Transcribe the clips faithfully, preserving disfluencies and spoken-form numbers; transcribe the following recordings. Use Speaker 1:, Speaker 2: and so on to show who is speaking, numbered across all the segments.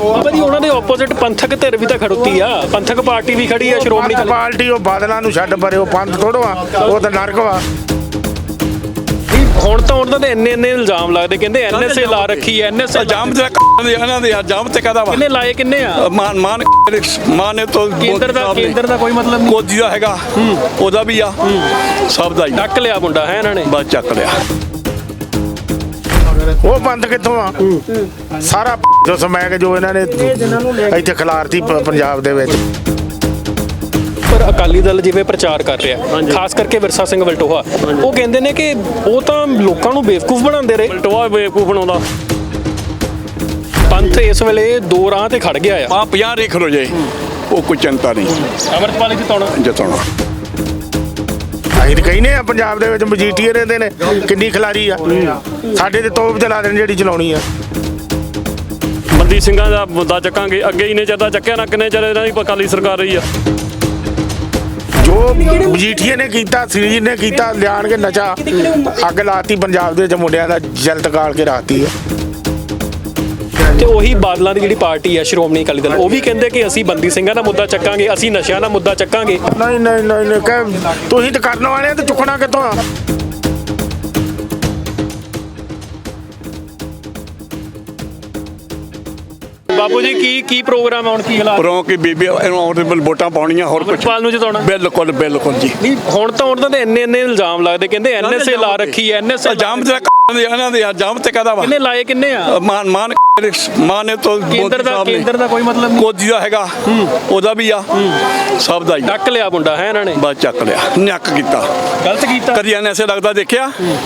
Speaker 1: ਬਾਬਾ ਜੀ ਉਹਨਾਂ ਦੇ ਆਪੋਜ਼ਿਟ ਪੰਥਕ ਧਿਰ ਵੀ ਤਾਂ ਖੜੋਤੀ ਆ, ਪੰਥਕ ਪਾਰਟੀ ਵੀ ਖੜੀ ਆ, ਸ਼੍ਰੋਮਣੀ ਅਕਾਲੀ
Speaker 2: ਪਾਰਟੀ ਉਹ ਬਾਦਲਾਂ ਨੂੰ ਛੱਡ ਪਰੇ, ਉਹ ਪੰਥ ਥੋੜੋ ਆ, ਉਹ ਤਾਂ ਨਰਕ ਵਾ।
Speaker 1: ਹੁਣ ਤਾਂ ਉਹਨਾਂ ਦੇ ਇੰਨੇ ਇੰਨੇ ਇਲਜ਼ਾਮ ਲੱਗਦੇ, ਕਹਿੰਦੇ ਐਨਐਸਏ ਲਾ ਰੱਖੀ ਐ, ਐਨਐਸਏ
Speaker 3: ਇਲਜ਼ਾਮ ਤੇ ਇਹਨਾਂ ਦੇ ਇਲਜ਼ਾਮ ਤੇ ਕਹਦਾ ਵਾ
Speaker 1: ਕਿੰਨੇ ਲਾਏ, ਕਿੰਨੇ ਆ?
Speaker 3: ਮਾਨ ਮਾਨ ਮਾਨ ਨੇ ਤੋਂ
Speaker 1: ਕੇਂਦਰ ਦਾ ਕੇਂਦਰ ਦਾ ਕੋਈ ਮਤਲਬ ਨਹੀਂ,
Speaker 3: ਮੋਦੀ ਦਾ ਹੈਗਾ, ਉਹਦਾ ਵੀ ਆ, ਸਭ ਦਾ ਹੀ
Speaker 1: ਡੱਕ ਲਿਆ ਮੁੰਡਾ ਹੈ ਇਹਨਾਂ ਨੇ,
Speaker 3: ਬਸ ਚੱਕ ਲਿਆ।
Speaker 2: ਉਹ ਪੰਥ ਕਿੱਥੋਂ ਆ? ਸਾਰਾ ਜੋ ਸਮੈਕ ਜੋ ਇਹਨਾਂ ਨੇ ਇੱਥੇ ਖਿਲਾਰਤੀ ਪ- ਪੰਜਾਬ ਦੇ ਵਿੱਚ।
Speaker 1: ਪਰ ਅਕਾਲੀ ਦਲ ਜਿਵੇਂ ਪ੍ਰਚਾਰ ਕਰ ਰਿਹਾ, ਖਾਸ ਕਰਕੇ ਵਿਰਸਾ ਸਿੰਘ ਵਲਟੋਹਾ, ਉਹ ਕਹਿੰਦੇ ਨੇ ਕਿ ਉਹ ਤਾਂ ਲੋਕਾਂ ਨੂੰ ਬੇਵਕੂਫ ਬਣਾਉਂਦੇ ਰਹੇ।
Speaker 4: ਵਲਟੋਹਾ ਬੇਵਕੂਫ ਬਣਾਉਂਦਾ।
Speaker 1: ਪੰਥ ਇਸ ਵੇਲੇ ਦੋ ਰਾਹ ਤੇ ਖੜ ਗਿਆ ਆ।
Speaker 3: ਆ ਪੰਜਾਹ ਰੇਖ ਹੋ ਜਾਏ, ਉਹ ਕੋਈ ਚਿੰਤਾ ਨਹੀਂ,
Speaker 1: ਅੰਮ੍ਰਿਤਪਾਲ ਜਿਤਾਉਣਾ
Speaker 3: ਜਿਤਾਉਣਾ।
Speaker 2: ਅਸੀਂ ਤਾਂ ਕਹਿੰਦੇ ਆ ਪੰਜਾਬ ਦੇ ਵਿੱਚ ਮਜੀਠੀਏ ਰਹਿੰਦੇ ਨੇ, ਕਿੰਨੀ ਖਿਲਾਰੀ ਆ। ਸਾਡੇ ਤੇ ਤੋਪ ਚਲਾ ਦੇਣ ਜਿਹੜੀ ਚਲਾਉਣੀ ਆ।
Speaker 4: ਬੰਦੀ ਸਿੰਘਾਂ ਦਾ ਮੁੱਦਾ ਚੱਕਾਂਗੇ, ਅੱਗੇ ਹੀ ਨੇ ਚਿਰ ਦਾ ਚੱਕਿਆ ਨਾ, ਕਿੰਨੇ ਚਿਰ ਇਹਨਾਂ ਦੀ ਅਕਾਲੀ ਸਰਕਾਰ ਰਹੀ ਆ।
Speaker 2: ਜੋ ਮਜੀਠੀਏ ਨੇ ਕੀਤਾ, ਸ੍ਰੀਜੀਤ ਨੇ ਕੀਤਾ, ਲਿਆਣ ਕੇ ਨਸ਼ਾ ਅੱਗ ਲਾਤੀ ਪੰਜਾਬ ਦੇ ਵਿੱਚ, ਮੁੰਡਿਆਂ ਦਾ ਜਲਤ ਗਾਲ ਕੇ ਰਾਤੀ ਆ।
Speaker 1: ਤੇ ਉਹੀ ਬਾਦਲਾਂ ਦੀ ਜਿਹੜੀ ਪਾਰਟੀ ਹੈ ਸ਼੍ਰੋਮਣੀ ਅਕਾਲੀ ਦਲ, ਉਹ ਵੀ ਕਹਿੰਦੇ ਕਿ ਅਸੀਂ ਬੰਦੀ ਸਿੰਘਾਂ ਦਾ ਮੁੱਦਾ ਚੱਕਾਂਗੇ, ਅਸੀਂ ਨਸ਼ਿਆਂ ਦਾ ਮੁੱਦਾ ਚੱਕਾਂਗੇ।
Speaker 2: ਨਹੀਂ ਨਹੀਂ ਨਹੀਂ ਨਹੀਂ ਕਹਿ, ਤੁਸੀਂ ਤਾਂ ਕਰਨ ਵਾਲੇ ਆ ਤੇ ਚੁੱਕਣਾ ਕਿੱਥੋਂ ਆ?
Speaker 1: ਬਾਬੂ ਜੀ ਕੀ ਕੀ ਪ੍ਰੋਗਰਾਮ ਆਉਣ, ਕੀ ਹਾਲਾਤ?
Speaker 3: ਪਰੋਂ ਕਿ ਬੀਬੀ ਇਹਨੂੰ ਆਨਰੇਬਲ ਵੋਟਾਂ ਪਾਉਣੀਆਂ, ਹੋਰ ਕੁਝ
Speaker 1: ਅੰਮ੍ਰਿਤਪਾਲ ਨੂੰ ਜਿਤਾਉਣਾ।
Speaker 3: ਬਿਲਕੁਲ ਬਿਲਕੁਲ ਜੀ।
Speaker 1: ਨਹੀਂ ਹੁਣ ਤਾਂ ਉਹਨਾਂ ਦੇ ਇੰਨੇ ਇੰਨੇ ਇਲਜ਼ਾਮ ਲੱਗਦੇ, ਕਹਿੰਦੇ ਐਨਐਸਏ ਲਾ ਰੱਖੀ ਐ, ਐਨਐਸਏ
Speaker 3: ਇਲਜ਼ਾਮ ਤੇ ਇਹਨਾਂ ਦੇ ਇਲਜ਼ਾਮ ਤੇ ਕਹਦਾ ਵਾ
Speaker 1: ਕਿੰਨੇ ਲਾਏ, ਕਿੰਨੇ ਆ?
Speaker 3: ਮਾਨ ਮਾਨ ਮਾਨ ਨੇ ਤੋਂ
Speaker 1: ਕੇਂਦਰ ਦਾ ਕੇਂਦਰ ਦਾ ਕੋਈ ਮਤਲਬ ਨਹੀਂ,
Speaker 3: ਮੋਦੀ ਦਾ ਹੈਗਾ, ਉਹਦਾ ਵੀ ਆ, ਸਭ ਦਾ ਹੀ
Speaker 1: ਡੱਕ ਲਿਆ ਮੁੰਡਾ ਹੈ ਇਹਨਾਂ ਨੇ,
Speaker 3: ਬਸ ਚੱਕ ਲਿਆ, ਨੱਕ ਕੀਤਾ,
Speaker 1: ਗਲਤ ਕੀਤਾ।
Speaker 3: ਕਦੀ ਐਨਐਸਏ ਲੱਗਦਾ ਦੇਖਿਆ?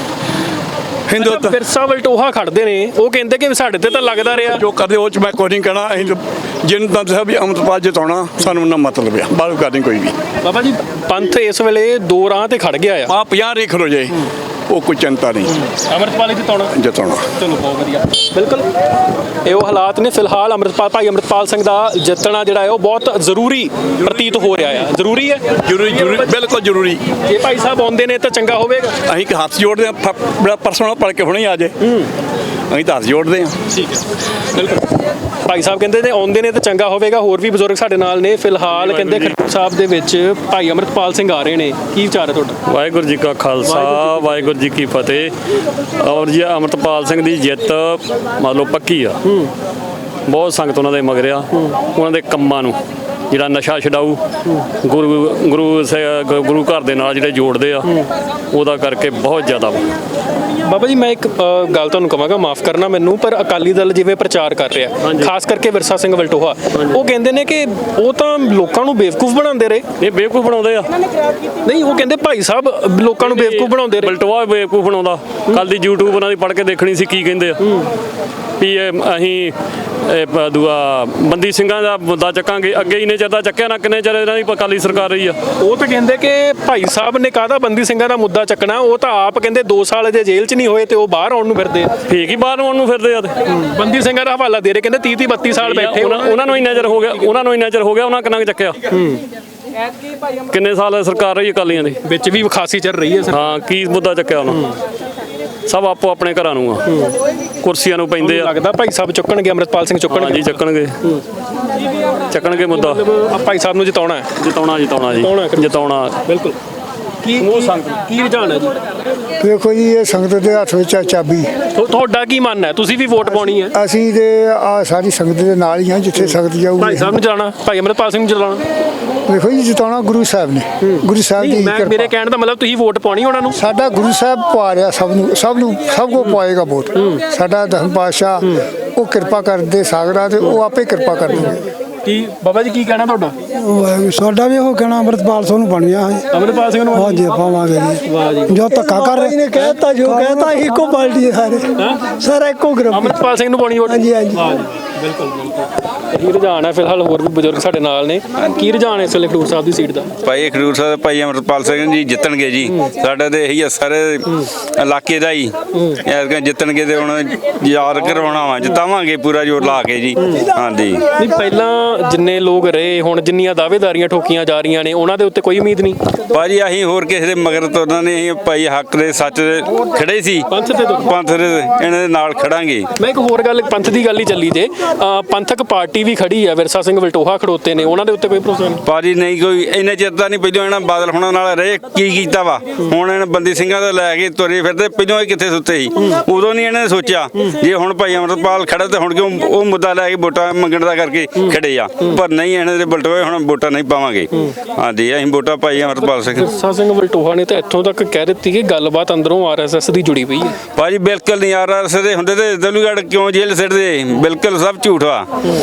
Speaker 3: ਹਿੰਦੁੱਤ
Speaker 1: ਵਿਰਸਾ ਵਲਟੋਹਾ ਖੜਦੇ ਨੇ, ਉਹ ਕਹਿੰਦੇ ਕਿ ਸਾਡੇ ਤੇ ਤਾਂ ਲੱਗਦਾ ਰਿਹਾ।
Speaker 3: ਜੋ ਕਰਦੇ ਉਹ ਚ ਮੈਂ ਕੋਈ ਨਹੀਂ ਕਹਿਣਾ। ਅਸੀਂ ਜਿਹਨੂੰ ਤਾਂ ਦੱਸਿਆ ਵੀ ਅੰਮ੍ਰਿਤਪਾਲ ਜਿਤਾਉਣਾ, ਸਾਨੂੰ ਨਾ ਮਤਲਬ ਆ, ਬਾਹਰ ਕਰਨੀ ਕੋਈ ਵੀ।
Speaker 1: ਬਾਬਾ ਜੀ ਪੰਥ ਇਸ ਵੇਲੇ ਦੋ ਰਾਹ ਤੇ ਖੜ ਗਿਆ ਆ।
Speaker 3: ਆ ਪੰਜਾਹ ਰੇਖ ਹੋ ਜਾਏ, ਉਹ ਕੋਈ ਚਿੰਤਾ ਨਹੀਂ,
Speaker 1: ਅੰਮ੍ਰਿਤਪਾਲ ਜਿਤਾਉਣਾ
Speaker 3: ਜਿਤਾਉਣਾ।
Speaker 1: ਚਲੋ ਬਹੁਤ ਵਧੀਆ, ਬਿਲਕੁਲ ਇਹ ਉਹ ਹਾਲਾਤ ਨੇ। ਫਿਲਹਾਲ ਅੰਮ੍ਰਿਤਪਾਲ ਭਾਈ ਅੰਮ੍ਰਿਤਪਾਲ ਸਿੰਘ ਦਾ ਜਿੱਤਣਾ ਜਿਹੜਾ ਹੈ ਉਹ ਬਹੁਤ ਜ਼ਰੂਰੀ ਪ੍ਰਤੀਤ ਹੋ ਰਿਹਾ ਆ। ਜ਼ਰੂਰੀ ਹੈ,
Speaker 3: ਜ਼ਰੂਰੀ ਜ਼ਰੂਰੀ ਬਿਲਕੁਲ ਜ਼ਰੂਰੀ।
Speaker 1: ਜੇ ਭਾਈ ਸਾਹਿਬ ਆਉਂਦੇ ਨੇ ਤਾਂ ਚੰਗਾ ਹੋਵੇਗਾ।
Speaker 3: ਅਸੀਂ ਕਿ ਹੱਥ ਜੋੜਦੇ ਹਾਂ, ਬੜਾ ਪਰਸੋਂ ਪੜ ਕੇ ਹੁਣੇ ਆ ਜੇ, ਅਸੀਂ ਤਾਂ ਹੱਥ ਜੋੜਦੇ ਹਾਂ।
Speaker 1: ਠੀਕ ਹੈ, ਬਿਲਕੁਲ ਭਾਈ ਸਾਹਿਬ ਕਹਿੰਦੇ ਨੇ ਆਉਂਦੇ ਨੇ ਤਾਂ ਚੰਗਾ ਹੋਵੇਗਾ। ਹੋਰ ਵੀ ਬਜ਼ੁਰਗ ਸਾਡੇ ਨਾਲ ਨੇ। ਫਿਲਹਾਲ ਕਹਿੰਦੇ ਖਡੂਰ ਸਾਹਿਬ ਦੇ ਵਿੱਚ ਭਾਈ ਅੰਮ੍ਰਿਤਪਾਲ ਸਿੰਘ ਆ ਰਹੇ ਨੇ, ਕੀ ਵਿਚਾਰ ਹੈ ਤੁਹਾਡਾ?
Speaker 4: ਵਾਹਿਗੁਰੂ ਜੀ ਕਾ ਖਾਲਸਾ, ਵਾਹਿਗੁਰੂ ਜੀ ਕੀ ਫਤਿਹ। ਔਰ ਜੀ ਅੰਮ੍ਰਿਤਪਾਲ ਸਿੰਘ ਦੀ ਜਿੱਤ ਮੰਨ ਲਓ ਪੱਕੀ ਆ। ਬਹੁਤ ਸੰਗਤ ਉਹਨਾਂ ਦੇ ਮਗਰ ਆ, ਉਹਨਾਂ ਦੇ ਕੰਮਾਂ ਨੂੰ ਜਿਹੜਾ ਨਸ਼ਾ ਛਡਾਊ ਗੁਰੂ ਗੁਰੂ ਸ- ਗੁਰੂ ਘਰ ਦੇ ਨਾਲ ਜਿਹੜੇ ਜੋੜਦੇ ਆ, ਉਹਦਾ ਕਰਕੇ ਬਹੁਤ ਜ਼ਿਆਦਾ ਵਾ।
Speaker 1: ਬਾਬਾ ਜੀ ਮੈਂ ਇੱਕ ਅ, ਗੱਲ ਤੁਹਾਨੂੰ ਕਹਾਂਗਾ, ਮਾਫ ਕਰਨਾ ਮੈਨੂੰ, ਪਰ ਅਕਾਲੀ ਦਲ ਜਿਵੇਂ ਪ੍ਰਚਾਰ ਕਰ ਰਿਹਾ, ਖਾਸ ਕਰਕੇ ਵਿਰਸਾ ਸਿੰਘ ਵਲਟੋਹਾ, ਉਹ ਕਹਿੰਦੇ ਨੇ ਕਿ ਉਹ ਤਾਂ ਲੋਕਾਂ ਨੂੰ ਬੇਵਕੂਫ ਬਣਾਉਂਦੇ ਰਹੇ।
Speaker 4: ਇਹ ਬੇਵਕੂਫ ਬਣਾਉਂਦੇ ਆ।
Speaker 1: ਨਹੀਂ ਉਹ ਕਹਿੰਦੇ ਭਾਈ ਸਾਹਿਬ ਲੋਕਾਂ ਨੂੰ ਬੇਵਕੂਫ ਬਣਾਉਂਦੇ ਰਹੇ।
Speaker 4: ਵਲਟੋਹਾ ਬੇਵਕੂਫ ਬਣਾਉਂਦਾ। ਕੱਲ ਦੀ YouTube ਉਹਨਾਂ ਦੀ ਪੜ੍ਹ ਕੇ ਦੇਖਣੀ ਸੀ ਕੀ ਕਹਿੰਦੇ ਆ ਵੀ ਇਹ ਅਸੀਂ ਇਹ ਪ- ਦੂਆ ਬੰਦੀ ਸਿੰਘਾਂ ਦਾ ਮੁੱਦਾ ਚੱਕਾਂਗੇ, ਅੱਗੇ ਹੀ ਨੇ ਚਿਰ ਦਾ ਚੱਕਿਆ ਨਾ, ਕਿੰਨੇ ਚਿਰ ਇਹਨਾਂ ਦੀ ਅਕਾਲੀ ਸਰਕਾਰ ਰਹੀ ਆ।
Speaker 1: ਉਹ ਤਾਂ ਕਹਿੰਦੇ ਕਿ ਭਾਈ ਸਾਹਿਬ ਨੇ ਕਾਹਦਾ ਬੰਦੀ ਸਿੰਘਾਂ ਦਾ ਮੁੱਦਾ ਚੱਕਣਾ, ਉਹ ਤਾਂ ਆਪ ਕਹਿੰਦੇ ਦੋ ਸਾਲ ਅਜੇ ਜੇਲ੍ਹ 'ਚ ਨਹੀਂ ਹੋਏ ਤੇ ਉਹ ਬਾਹਰ ਆਉਣ ਨੂੰ ਫਿਰਦੇ ਆ।
Speaker 4: ਠੀਕ ਹੀ ਬਾਹਰ ਨੂੰ ਆਉਣ ਨੂੰ ਫਿਰਦੇ ਆ ਤੇ
Speaker 1: ਬੰਦੀ ਸਿੰਘਾਂ ਦਾ ਹਵਾਲਾ ਦੇ ਰਹੇ, ਕਹਿੰਦੇ ਤੀਹ ਤੀਹ ਬੱਤੀ ਸਾਲ ਬੈਠੇ
Speaker 4: ਉਹਨਾਂ ਉਹਨਾਂ ਨੂੰ ਇੰਨਾ ਚਿਰ ਹੋ ਗਿਆ, ਉਹਨਾਂ ਨੂੰ ਇੰਨਾ ਚਿਰ ਹੋ ਗਿਆ, ਉਹਨਾਂ ਕਿੰਨਾ ਕੁ ਚੱਕਿਆ? ਕਿੰਨੇ ਸਾਲ ਸਰਕਾਰ ਰਹੀ ਅਕਾਲੀਆਂ ਦੀ?
Speaker 1: ਵਿੱਚ ਵੀ ਖਾਸੀ ਚੱਲ ਰਹੀ ਹੈ ਸਰ।
Speaker 4: ਹਾਂ, ਕੀ ਮੁੱਦਾ ਚੱਕਿਆ ਉਹਨਾਂ? ਸਭ ਆਪੋ ਆਪਣੇ ਘਰਾਂ ਨੂੰ ਆ, ਕੁਰਸੀਆਂ ਨੂੰ ਪੈਂਦੇ ਆ।
Speaker 1: ਲੱਗਦਾ ਭਾਈ ਸਾਹਿਬ ਚੁੱਕਣਗੇ, ਅੰਮ੍ਰਿਤਪਾਲ ਸਿੰਘ ਚੁੱਕਣਗੇ।
Speaker 4: ਹਾਂਜੀ ਚੱਕਣਗੇ, ਚੱਕਣਗੇ ਮੁੱਦਾ।
Speaker 1: ਆ ਭਾਈ ਸਾਹਿਬ ਨੂੰ ਜਿਤਾਉਣਾ ਹੈ।
Speaker 4: ਜਿਤਾਉਣਾ ਜਿਤਾਉਣਾ ਜੀ, ਜਿਤਾਉਣਾ
Speaker 1: ਬਿਲਕੁਲ। ਕੀ ਕੀ ਰੁਝਾਨ ਹੈ ਜੀ?
Speaker 5: ਦੇਖੋ ਜੀ, ਇਹ ਸੰਗਤ ਦੇ ਹੱਥ ਵਿੱਚ ਆ ਚਾਬੀ।
Speaker 1: ਤੁ- ਤੁਹਾਡਾ ਕੀ ਮੰਨ ਹੈ? ਤੁਸੀਂ ਵੀ ਵੋਟ ਪਾਉਣੀ ਹੈ।
Speaker 5: ਅਸੀਂ ਤੇ ਆ ਸਾਰੀ ਸੰਗਤ ਦੇ ਨਾਲ ਹੀ ਹਾਂ, ਜਿੱਥੇ ਸੰਗਤ ਜਾਊਗੀ।
Speaker 1: ਭਾਈ ਸਾਹਿਬ ਨੂੰ ਜਿਤਾਉਣਾ, ਭਾਈ ਅੰਮ੍ਰਿਤਪਾਲ ਸਿੰਘ ਨੂੰ ਜਿਤਾਉਣਾ।
Speaker 5: ਦੇਖੋ ਜੀ, ਜਿਤਾਉਣਾ ਗੁਰੂ ਸਾਹਿਬ ਨੇ, ਗੁਰੂ ਸਾਹਿਬ ਦੀ
Speaker 1: ਮੈਂ ਮੇਰੇ
Speaker 5: ਕਿਰਪਾ।
Speaker 1: ਕਹਿਣ ਦਾ ਮਤਲਬ ਤੁਸੀਂ ਵੋਟ ਪਾਉਣੀ ਉਹਨਾਂ ਨੂੰ।
Speaker 5: ਸਾਡਾ ਗੁਰੂ ਸਾਹਿਬ ਪਵਾ ਰਿਹਾ ਸਭ ਨੂੰ, ਸਭ ਨੂੰ ਸਭ ਕੋ ਪਵਾਏਗਾ ਵੋਟ। ਸਾਡਾ ਦਸਮ ਪਾਤਸ਼ਾਹ ਉਹ ਕਿਰਪਾ ਕਰਦੇ ਸਾਗਰਾ, ਤੇ ਉਹ ਆਪੇ ਕਿਰਪਾ ਕਰਨਗੇ।
Speaker 1: ਕੀ ਬਾਬਾ ਜੀ ਕੀ ਕਹਿਣਾ ਤੁਹਾਡਾ?
Speaker 5: ਸਾਡਾ ਵੀ ਉਹ ਕਹਿਣਾ ਅੰਮ੍ਰਿਤਪਾਲ ਸਿੰਘ ਨੂੰ ਬਣਿਆ ਹੈ।
Speaker 1: ਅੰਮ੍ਰਿਤਪਾਲ ਸਿੰਘ ਨੂੰ
Speaker 5: ਹਾਂਜੀ ਪਾਵਾਂਗੇ ਜੀ।
Speaker 1: ਵਾਹ ਜੀ।
Speaker 5: ਜੋ ਧੱਕਾ ਕਰ ਰਹੇ ਨੇ, ਕਹਿਤਾ ਜੋ ਕਹਿਤਾ, ਇੱਕੋ ਪਾਰਟੀ ਸਾਰੇ, ਸਾਰਾ ਇੱਕੋ ਗਰੁੱਪ।
Speaker 1: ਅੰਮ੍ਰਿਤਪਾਲ ਸਿੰਘ ਨੂੰ ਪਾਉਣੀ ਵੋਟ।
Speaker 5: ਹਾਂਜੀ ਹਾਂਜੀ।
Speaker 1: ਵਾਹ ਜੀ, ਬਿਲਕੁਲ ਬਿਲਕੁਲ। ਕੀ ਰੁਝਾਨ ਹੈ ਫਿਲਹਾਲ? ਹੋਰ ਵੀ ਬਜ਼ੁਰਗ ਸਾਡੇ ਨਾਲ ਨੇ, ਕੀ ਰੁਝਾਨ ਹੈ ਇਸ ਵੇਲੇ ਖਡੂਰ ਸਾਹਿਬ ਦੀ ਸੀਟ ਦਾ?
Speaker 6: ਭਾਈ ਖਡੂਰ ਸਾਹਿਬ ਭਾਈ ਅਮਰਪਾਲ ਸਿੰਘ ਜੀ ਜਿੱਤਣਗੇ ਜੀ। ਸਾਡਾ ਤੇ ਇਹੀ ਆ ਸਾਰੇ ਇਲਾਕੇ ਦਾ ਹੀ ਐਤਕਾਂ ਜਿੱਤਣਗੇ ਤੇ ਹੁਣ ਯਾਦ ਕਰਵਾਉਣਾ ਵਾ, ਜਿਤਾਵਾਂਗੇ ਪੂਰਾ ਜ਼ੋਰ ਲਾ ਕੇ ਜੀ। ਹਾਂਜੀ
Speaker 1: ਨਹੀਂ, ਪਹਿਲਾਂ ਜਿੰਨੇ ਲੋਕ ਰਹੇ, ਹੁਣ ਜਿੰਨੀਆਂ ਦਾਅਵੇਦਾਰੀਆਂ ਠੋਕੀਆਂ ਜਾ ਰਹੀਆਂ ਨੇ, ਉਹਨਾਂ ਦੇ ਉੱਤੇ ਕੋਈ ਉਮੀਦ ਨਹੀਂ।
Speaker 6: ਭਾਜੀ ਅਸੀਂ ਹੋਰ ਕਿਸੇ ਦੇ ਮਗਰ ਤੁਰਨਾ ਨਹੀਂ, ਅਸੀਂ ਭਾਈ ਹੱਕ ਦੇ ਸੱਚ ਦੇ ਖੜੇ ਸੀ,
Speaker 1: ਪੰਥ ਦੇ ਤੋਂ
Speaker 6: ਪੰਥ ਦੇ ਇਹਨਾਂ ਦੇ ਨਾਲ ਖੜਾਂਗੇ।
Speaker 1: ਮੈਂ ਇੱਕ ਹੋਰ ਗੱਲ, ਪੰਥ ਦੀ ਗੱਲ ਹੀ ਚੱਲੀ ਜੇ, ਅਹ ਪੰਥਕ ਪਾਰਟੀ ਵੀ ਖੜੀ ਹੈ, ਵਿਰਸਾ ਸਿੰਘ ਵਲਟੋਹਾ ਖੜੋਤੇ ਨੇ, ਉਹਨਾਂ ਦੇ ਉੱਤੇ ਕੋਈ ਭਰੋਸਾ ਨਹੀਂ?
Speaker 6: ਭਾਜੀ ਨਹੀਂ, ਕੋਈ ਇੰਨੇ ਚਿਰ ਤਾਂ ਨਹੀਂ। ਪਹਿਲਾਂ ਇਹਨਾਂ ਬਾਦਲ ਹੋਣਾ ਨਾਲ ਰਹੇ, ਕੀ ਕੀਤਾ ਵਾ? ਹੁਣ ਇਹਨਾਂ ਬੰਦੀ ਸਿੰਘਾਂ ਤੋਂ ਲੈ ਕੇ ਤੁਰੇ ਫਿਰਦੇ, ਪਹਿਲਾਂ ਇਹ ਕਿੱਥੇ ਸੁੱਤੇ ਸੀ? ਉਦੋਂ ਨਹੀਂ ਇਹਨਾਂ ਨੇ ਸੋਚਿਆ ਜੇ ਹੁਣ ਭਾਈ ਅਮਰਪਾਲ ਖੜਾ ਤੇ ਹੁਣ ਕਿਉਂ ਉਹ ਮੁੱਦਾ ਲੈ ਕੇ ਵੋਟਾਂ ਮੰਗਣ ਦਾ ਕਰਕੇ ਖੜੇ ਆ। ਪਰ ਨਹੀਂ, ਇਹਨਾਂ ਦੇ ਬਲਟੋਏ ਹੁਣ ਵੋਟਾਂ ਨਹੀਂ ਪਾਵਾਂਗੇ। ਹਾਂਜੀ ਅਸੀਂ ਵੋਟਾਂ ਭਾਈ ਅਮਰਪਾਲ ਸਿੰਘ।
Speaker 1: ਵਿਰਸਾ ਸਿੰਘ ਵਲਟੋਹਾ ਨੇ ਤਾਂ ਇੱਥੋਂ ਤੱਕ ਕਹਿ ਦਿੱਤੀ ਕਿ ਗੱਲਬਾਤ ਅੰਦਰੋਂ ਆਰ ਐਸ ਐਸ ਦੀ ਜੁੜੀ ਪਈ ਹੈ।
Speaker 6: ਭਾਜੀ ਬਿਲਕੁਲ ਨਹੀਂ, ਆਰ ਐਸ ਦੇ ਹੁੰਦੇ ਤੇ ਦਲੂਗੜ੍ਹ ਕਿਉਂ ਜੇਲ੍ਹ ਸਿੱਟਦੇ? ਬਿਲਕੁਲ ਸਭ ਝੂਠ ਵਾ।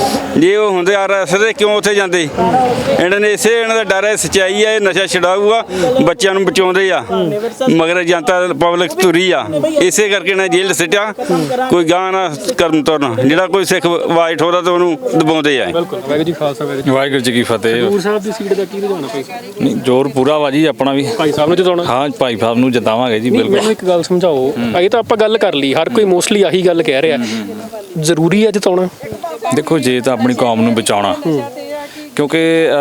Speaker 6: ਜੇ ਉਹ ਹੁੰਦੇ ਆਰ ਐਸ ਦੇ ਕਿਉਂ ਉੱਥੇ ਜਾਂਦੇ? ਇਹਨਾਂ ਨੇ ਇਸੇ ਇਹਨਾਂ ਦਾ ਡਰ ਹੈ, ਸੱਚਾਈ ਹੈ, ਇਹ ਨਸ਼ਾ ਛਡਾਊਗਾ, ਬੱਚਿਆਂ ਨੂੰ ਬਚਾਉਂਦੇ ਆ, ਮਗਰ ਜਨਤਾ ਪਬਲਿਕ ਤੁਰੀ ਆ, ਇਸੇ ਕਰਕੇ ਇਹਨਾਂ ਜੇਲ੍ਹ ਸਿੱਟਿਆ। ਕੋਈ ਗਾਂ ਨਾ ਕਰਨ ਤੁਰਨ, ਜਿਹੜਾ ਕੋਈ ਸਿੱਖ ਵਾਈਟ ਹੋਦਾ ਤਾਂ ਉਹਨੂੰ ਦਬਾਉਂਦੇ ਆ।
Speaker 1: ਬਿਲਕੁਲ। ਵਾਹਿਗੁਰੂ ਜੀ ਖਾਲਸਾ, ਵਾਹਿਗੁਰੂ ਜੀ।
Speaker 7: ਵਾਹਿਗੁਰੂ ਜੀ ਕੀ ਫਤਿਹ।
Speaker 1: ਖਡੂਰ ਸਾਹਿਬ ਦੀ ਸੀਟ ਦਾ ਕੀ ਰੁਝਾਨ ਹੈ ਭਾਈ ਸਾਹਿਬ?
Speaker 7: ਨਹੀਂ, ਜ਼ੋਰ ਪੂਰਾ ਵਾ ਜੀ ਆਪਣਾ ਵੀ।
Speaker 1: ਭਾਈ ਸਾਹਿਬ ਨੂੰ ਜਿਤਾਉਣਾ?
Speaker 7: ਹਾਂ, ਭਾਈ ਸਾਹਿਬ ਨੂੰ ਜਿਤਾਵਾਂਗੇ ਜੀ,
Speaker 1: ਨਹੀਂ,
Speaker 7: ਬਿਲਕੁਲ।
Speaker 1: ਮੈਨੂੰ ਇੱਕ ਗੱਲ ਸਮਝਾਓ, ਇਹ ਤਾਂ ਆਪਾਂ ਗੱਲ ਕਰ ਲਈ, ਹਰ ਕੋਈ ਮੋਸਟਲੀ ਆਹੀ ਗੱਲ ਕਹਿ ਰਿਹਾ, ਜ਼ਰੂਰੀ ਹੈ ਜਿਤਾਉਣਾ?
Speaker 7: ਦੇਖੋ, ਜੇ ਤਾਂ ਆਪਣੀ ਕੌਮ ਨੂੰ ਬਚਾਉਣਾ, ਕਿਉਂਕਿ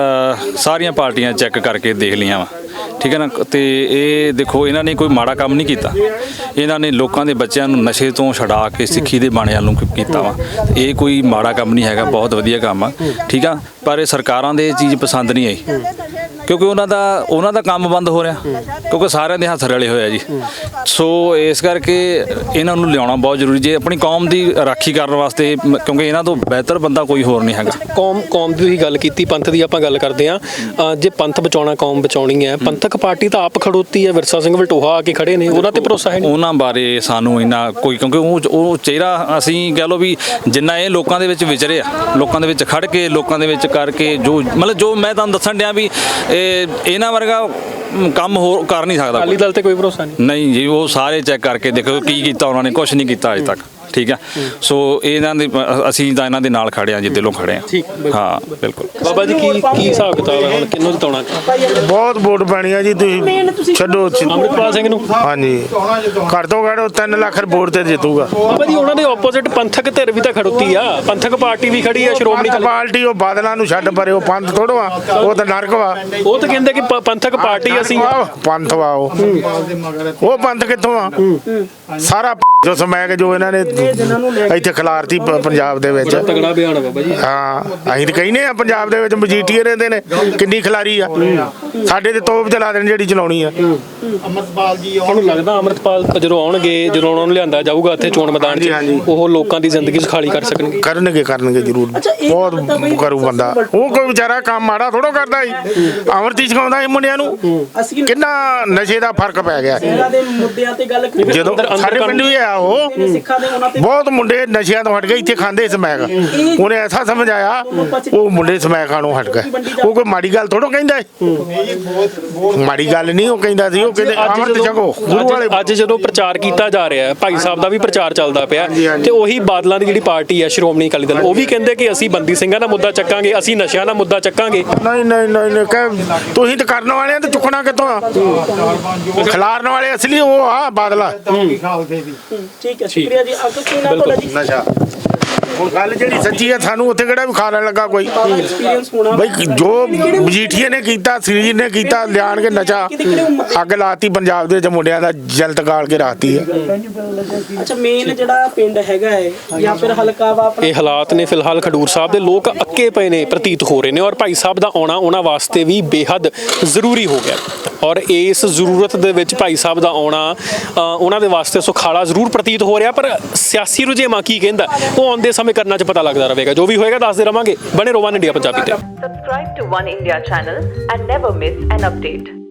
Speaker 7: ਅ, ਸਾਰੀਆਂ ਪਾਰਟੀਆਂ ਚੈੱਕ ਕਰਕੇ ਦੇਖ ਲਈਆਂ ਵਾ, ਠੀਕ ਹੈ ਨਾ। ਤੇ ਇਹ ਦੇਖੋ, ਇਹਨਾਂ ਨੇ ਕੋਈ ਮਾੜਾ ਕੰਮ ਨਹੀਂ ਕੀਤਾ। ਇਹਨਾਂ ਨੇ ਲੋਕਾਂ ਦੇ ਬੱਚਿਆਂ ਨੂੰ ਨਸ਼ੇ ਤੋਂ ਛਡਾ ਕੇ ਸਿੱਖੀ ਦੇ ਬਾਣਿਆਂ ਨੂੰ ਕੀਤਾ ਵਾ। ਇਹ ਕੋਈ ਮਾੜਾ ਕੰਮ ਨਹੀਂ ਹੈਗਾ, ਬਹੁਤ ਵਧੀਆ ਕੰਮ ਆ, ਠੀਕ ਆ। ਪਰ ਇਹ ਸਰਕਾਰਾਂ ਦੇ ਇਹ ਚੀਜ਼ ਪਸੰਦ ਨਹੀਂ ਆਈ, ਕਿਉਂਕਿ ਉਹਨਾਂ ਦਾ ਉਹਨਾਂ ਦਾ ਕੰਮ ਬੰਦ ਹੋ ਰਿਹਾ, ਕਿਉਂਕਿ ਸਾਰਿਆਂ ਦੇ ਹੱਥ ਰਲੇ ਹੋਏ ਆ ਜੀ। ਸੋ ਇਸ ਕਰਕੇ ਇਹਨਾਂ ਨੂੰ ਲਿਆਉਣਾ ਬਹੁਤ ਜ਼ਰੂਰੀ, ਜੇ ਆਪਣੀ ਕੌਮ ਦੀ ਰਾਖੀ ਕਰਨ ਵਾਸਤੇ, ਕਿਉਂਕਿ ਇਹਨਾਂ ਤੋਂ ਬਿਹਤਰ ਬੰਦਾ ਕੋਈ ਹੋਰ ਨਹੀਂ ਹੈਗਾ।
Speaker 1: ਕੌਮ ਕੌਮ ਦੀ ਗੱਲ ਕੀਤੀ, ਪੰਥ ਦੀ ਆਪਾਂ ਗੱਲ ਕਰਦੇ ਹਾਂ। ਜੇ ਪੰਥ ਬਚਾਉਣਾ, ਕੌਮ ਬਚਾਉਣੀ ਹੈ, ਪੰਥਕ ਪਾਰਟੀ ਤਾਂ ਆਪ ਖੜੋਤੀ ਹੈ, ਵਿਰਸਾ ਸਿੰਘ ਵਲਟੋਹਾ ਆ ਕੇ ਖੜੇ ਨੇ, ਉਹਨਾਂ ਤੇ ਭਰੋਸਾ ਹੈ ਨਹੀਂ?
Speaker 7: ਉਹਨਾਂ ਬਾਰੇ ਸਾਨੂੰ ਇੰਨਾ ਕੋਈ, ਕਿਉਂਕਿ ਉਹ ਉਹ ਚਿਹਰਾ ਅਸੀਂ ਕਹਿ ਲਓ ਵੀ ਜਿੰਨਾ ਇਹ ਲੋਕਾਂ ਦੇ ਵਿੱਚ ਵਿਚਰੇ ਆ, ਲੋਕਾਂ ਦੇ ਵਿੱਚ ਖੜ ਕੇ, ਲੋਕਾਂ ਦੇ ਵਿੱਚ ਕਰਕੇ, ਜੋ ਮਤਲਬ ਜੋ ਮੈਂ ਤੁਹਾਨੂੰ ਦੱਸਣ ਡਿਆ ਵੀ ਇਹ ਇਹਨਾਂ ਵਰਗਾ ਕੰਮ ਹੋਰ ਕਰ ਨਹੀਂ ਸਕਦਾ।
Speaker 1: ਅਕਾਲੀ ਦਲ ਤੇ ਕੋਈ ਭਰੋਸਾ ਨਹੀਂ?
Speaker 7: ਨਹੀਂ ਜੀ, ਉਹ ਸਾਰੇ ਚੈੱਕ ਕਰਕੇ ਦੇਖੋ ਕੀ ਕੀਤਾ ਉਹਨਾਂ ਨੇ, ਕੁਝ ਨਹੀਂ ਕੀਤਾ ਅਜੇ ਤੱਕ, ਠੀਕ ਆ। ਸੋ ਇਹਨਾਂ ਦੇ ਅਸੀਂ ਤਾਂ ਇਹਨਾਂ ਦੇ ਨਾਲ ਖੜੇ ਆ, ਜਿੱਦੇ ਲੋਕ ਖੜੇ ਆ। ਹਾਂ, ਬਿਲਕੁਲ।
Speaker 1: ਬਾਬਾ ਜੀ, ਕੀ ਕੀ ਹਿਸਾਬ ਕਿਤਾਬ ਹੈ ਹੁਣ, ਕਿਹਨੂੰ ਜਿਤਾਉਣਾ?
Speaker 2: ਬਹੁਤ ਵੋਟ ਪੈਣੀ ਆ ਜੀ, ਤੁਸੀਂ ਛੱਡੋ।
Speaker 1: ਅੰਮ੍ਰਿਤਪਾਲ ਸਿੰਘ ਨੂੰ?
Speaker 2: ਹਾਂਜੀ, ਘੱਟ ਤੋਂ ਘੱਟ ਤਿੰਨ ਲੱਖ ਵੋਟ ਤੇ ਜਿੱਤੂਗਾ।
Speaker 1: ਬਾਬਾ ਜੀ, ਉਹਨਾਂ ਦੇ ਆਪੋਜ਼ਿਟ ਪੰਥਕ ਧਿਰ ਵੀ ਤਾਂ ਖੜੋਤੀ ਆ, ਪੰਥਕ ਪਾਰਟੀ ਵੀ ਖੜੀ ਆ, ਸ਼੍ਰੋਮਣੀ ਅਕਾਲੀ
Speaker 2: ਪਾਰਟੀ ਉਹ ਬਾਦਲਾਂ ਨੂੰ ਛੱਡ ਪਰੇ, ਉਹ ਪੰਥ ਥੋੜੋ ਆ, ਉਹ ਤਾਂ ਨਰਕ ਵਾ।
Speaker 1: ਉਹ ਤਾਂ ਕਹਿੰਦੇ ਕਿ ਪ- ਪੰਥਕ ਪਾਰਟੀ ਅਸੀਂ
Speaker 2: ਪੰਥ ਵਾ ਉਹ ਉਹ ਪੰਥ ਕਿੱਥੋਂ ਆ? ਸਾਰਾ ਜੋ ਸਮੈਕ ਜੋ ਇਹਨਾਂ ਨੇ ਇੱਥੇ ਖਿਲਾਰਤੀ ਪ- ਪੰਜਾਬ ਦੇ ਵਿੱਚ।
Speaker 1: ਤਗੜਾ ਬਿਆਨ ਆ ਬਾਬਾ ਜੀ।
Speaker 2: ਹਾਂ, ਅਸੀਂ ਤਾਂ ਕਹਿੰਦੇ ਆ ਪੰਜਾਬ ਦੇ ਵਿੱਚ ਮਜੀਠੀਏ ਰਹਿੰਦੇ ਨੇ, ਕਿੰਨੀ ਖਿਲਾਰੀ ਆ। ਸਾਡੇ ਤੇ ਤੋਪ ਚਲਾ ਦੇਣ ਜਿਹੜੀ ਚਲਾਉਣੀ ਆ।
Speaker 1: ਅਮਰਪਾਲ ਜੀ ਤੁਹਾਨੂੰ ਲੱਗਦਾ ਅਮਰਪਾਲ ਜਦੋਂ ਆਉਣਗੇ, ਜਦੋਂ ਉਹਨਾਂ ਨੂੰ ਲਿਆਂਦਾ ਜਾਊਗਾ ਇੱਥੇ ਚੋਣ ਮੈਦਾਨ 'ਚ, ਉਹ ਲੋਕਾਂ ਦੀ ਜ਼ਿੰਦਗੀ ਸੁਖਾਲੀ ਕਰ ਸਕਣਗੇ?
Speaker 2: ਕਰਨਗੇ ਕਰਨਗੇ ਜ਼ਰੂਰ, ਬਹੁਤ ਕਰੂ ਬੰਦਾ। ਉਹ ਕੋਈ ਵਿਚਾਰਾ ਕੰਮ ਮਾੜਾ ਥੋੜੋ ਕਰਦਾ ਸੀ, ਅਮਰਤੀ ਸਿਖਾਉਂਦਾ ਸੀ ਮੁੰਡਿਆਂ ਨੂੰ। ਕਿੰਨਾ ਨਸ਼ੇ ਦਾ ਫਰਕ ਪੈ ਗਿਆ ਜਦੋਂ ਸਾਡੇ ਪਿੰਡ ਵੀ ਆ। ਉਹ ਬਹੁਤ ਮੁੰਡੇ ਨਸ਼ਿਆਂ ਤੋਂ ਹਟ ਗਏ, ਇੱਥੇ ਖਾਂਦੇ ਸਮੈਕ। ਉਹਨੇ ਐਸਾ ਸਮਝਾਇਆ, ਉਹ ਮੁੰਡੇ ਸਮੈਕ ਖਾਣੋਂ ਹਟ ਗਏ। ਉਹ ਕੋਈ ਮਾੜੀ ਗੱਲ ਥੋੜੋ ਕਹਿੰਦਾ, ਮਾੜੀ ਗੱਲ ਨਹੀਂ ਉਹ ਕਹਿੰਦਾ ਸੀ। ਉਹ ਕਹਿੰਦੇ ਅਮਰਤ ਛਕੋ ਗੁਰੂ ਵਾਲੇ।
Speaker 1: ਅੱਜ ਜਦੋਂ ਪ੍ਰਚਾਰ ਕੀਤਾ ਜਾ ਰਿਹਾ ਹੈ, ਭਾਈ ਸਾਹਿਬ ਦਾ ਵੀ ਪ੍ਰਚਾਰ ਚੱਲਦਾ ਪਿਆ, ਤੇ ਉਹੀ ਬਾਦਲਾਂ ਦੀ ਜਿਹੜੀ ਪਾਰਟੀ ਹੈ, ਸ਼੍ਰੋਮਣੀ ਅਕਾਲੀ ਦਲ, ਉਹ ਵੀ ਕਹਿੰਦੇ ਕਿ ਅਸੀਂ ਬੰਦੀ ਸਿੰਘਾਂ ਦਾ ਮੁੱਦਾ ਚੱਕਾਂਗੇ, ਅਸੀਂ ਨਸ਼ਿਆਂ ਦਾ ਮੁੱਦਾ ਚੱਕਾਂਗੇ।
Speaker 2: ਨਹੀਂ ਨਹੀਂ ਨਹੀਂ, ਕਹਿ ਤੁਸੀਂ ਤਾਂ ਕਰਨ ਵਾਲੇ ਆ, ਤੇ ਚੁੱਕਣਾ ਕਿੱਥੋਂ ਆ? ਖਿਲਾਰਨ ਵਾਲੇ ਅਸਲੀ ਉਹ ਆ ਬਾਦਲਾ।
Speaker 8: ਠੀਕ ਹੈ, ਸ਼ੁਕਰੀਆ ਜੀ। ਅੱਗੇ ਕੀ ਨਾਮ ਤੁਹਾਡਾ ਜੀ?
Speaker 2: ਨਸ਼ਾ ਹੁਣ ਗੱਲ ਜਿਹੜੀ ਸੱਚੀ ਆ, ਸਾਨੂੰ ਉੱਥੇ ਕਿਹੜਾ ਵੀ ਖਾਣ ਲੱਗਾ ਕੋਈ
Speaker 8: ਐਕਸਪੀਰੀਅੰਸ ਹੋਣਾ
Speaker 2: ਬਈ। ਜੋ ਮਜੀਠੀਏ ਨੇ ਕੀਤਾ, ਸਰੀਰ ਨੇ ਕੀਤਾ, ਲਿਆਣ ਕੇ ਨਸ਼ਾ ਅੱਗ ਲਾਤੀ ਪੰਜਾਬ ਦੇ ਵਿੱਚ, ਮੁੰਡਿਆਂ ਦਾ ਜਲਤ ਗਾਲ ਕੇ ਰਾਤੀ ਹੈ।
Speaker 8: ਅੱਛਾ, ਮੇਨ ਜਿਹੜਾ ਪਿੰਡ ਹੈਗਾ ਹੈ ਜਾਂ ਫਿਰ ਹਲਕਾ ਵਾ ਆਪਣਾ,
Speaker 1: ਇਹ ਹਾਲਾਤ ਨੇ ਫਿਲਹਾਲ ਖਡੂਰ ਸਾਹਿਬ ਦੇ ਲੋਕ ਅੱਕੇ ਪਏ ਨੇ ਪ੍ਰਤੀਤ ਹੋ ਰਹੇ ਨੇ, ਔਰ ਭਾਈ ਸਾਹਿਬ ਦਾ ਆਉਣਾ ਉਹਨਾਂ ਵਾਸਤੇ ਵੀ ਬੇਹੱਦ ਜ਼ਰੂਰੀ ਹੋ ਗਿਆ। ਔਰ ਇਸ ਜ਼ਰੂਰਤ ਦੇ ਵਿੱਚ ਭਾਈ ਸਾਹਿਬ ਦਾ ਆਉਣਾ ਅ, ਉਹਨਾਂ ਦੇ ਵਾਸਤੇ ਸੁਖਾਲਾ ਜ਼ਰੂਰ ਪ੍ਰਤੀਤ ਹੋ ਰਿਹਾ, ਪਰ ਸਿਆਸੀ ਰੁਝੇਵਾਂ ਕੀ ਕਹਿੰਦਾ ਉਹ ਆਉਂਦੇ ਸਮੇਂ ਕਰਨਾ ਚ ਪਤਾ ਲੱਗਦਾ ਰਹੇਗਾ। ਜੋ ਵੀ ਹੋਏਗਾ ਦੱਸਦੇ ਰਵਾਂਗੇ। ਬਣੇ ਰਹੋ ਵਨ ਇੰਡੀਆ ਪੰਜਾਬੀ ਤੇ।
Speaker 9: Subscribe to One India channel and never miss an update.